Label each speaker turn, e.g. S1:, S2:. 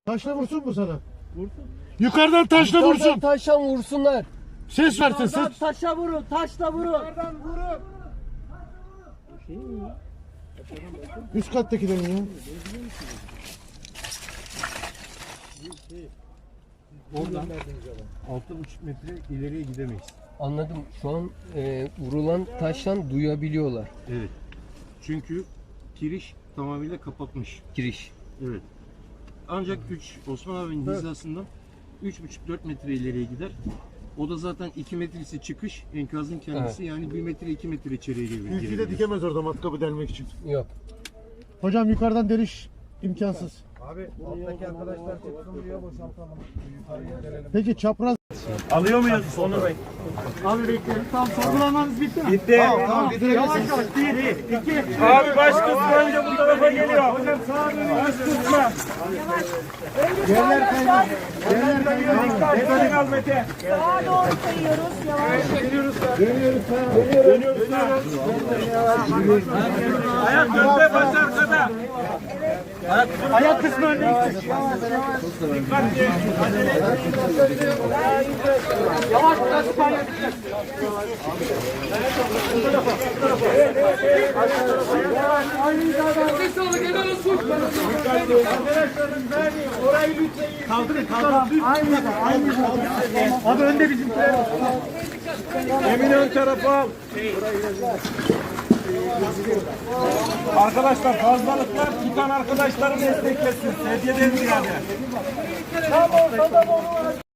S1: Taşla vursun mu sana?
S2: Vursun.
S1: Yukarıdan taşla vursun.
S3: Taşla vursunlar.
S1: Ses versin ses.
S3: Taşa vurun, taşla vurun.
S2: Yukarıdan vurun.
S1: Üst kattakilerin ya.
S2: Oradan 6,5 metre ileriye gidemeyiz.
S3: Anladım. Şu an vurulan taştan duyabiliyorlar
S2: Evet. Çünkü kiriş tamamıyla kapatmış.
S3: giriş.
S2: Evet. Ancak Osman abinin hizasından 3,5-4 metre ileriye gider. O da zaten 2 metresi çıkış, enkazın kendisi. Yani 1 metre 2 metre içeriye
S1: Ülkü de
S2: girebilir.
S1: dikemez orada matkabı delmek için.
S3: Yok.
S1: Hocam yukarıdan deliş imkansız.
S4: Abi alttaki arkadaşlar çıksın diye boşaltalım. Yukarıya gelelim.
S1: Peki çapraz.
S5: Alıyor muyuz Onur Bey?
S1: Abi bekleyin. Tamam sorgulamanız bitti mi?
S5: Bitti.
S1: Tamam bitirebilirsiniz.
S5: Abi baş kısmı önce bu tarafa geliyor. Hocam sağa dönün. Baş kısmı.
S1: Yerler kaynar. Yerler kaynar.
S5: Mete al Mete.
S6: Sağa doğru kayıyoruz. Yavaş.
S5: Dönüyoruz. Ayak önde, baş arkada.
S1: Ayak kısmı önde.
S5: Dikkatli. Acele etmeyin.
S1: Yavaş biraz paylaş. Abi önde bizimkiler.
S5: Emin ön tarafa al. Arkadaşlar fazlalıklar tutan arkadaşları desteklesin. Sedyeden ziyade.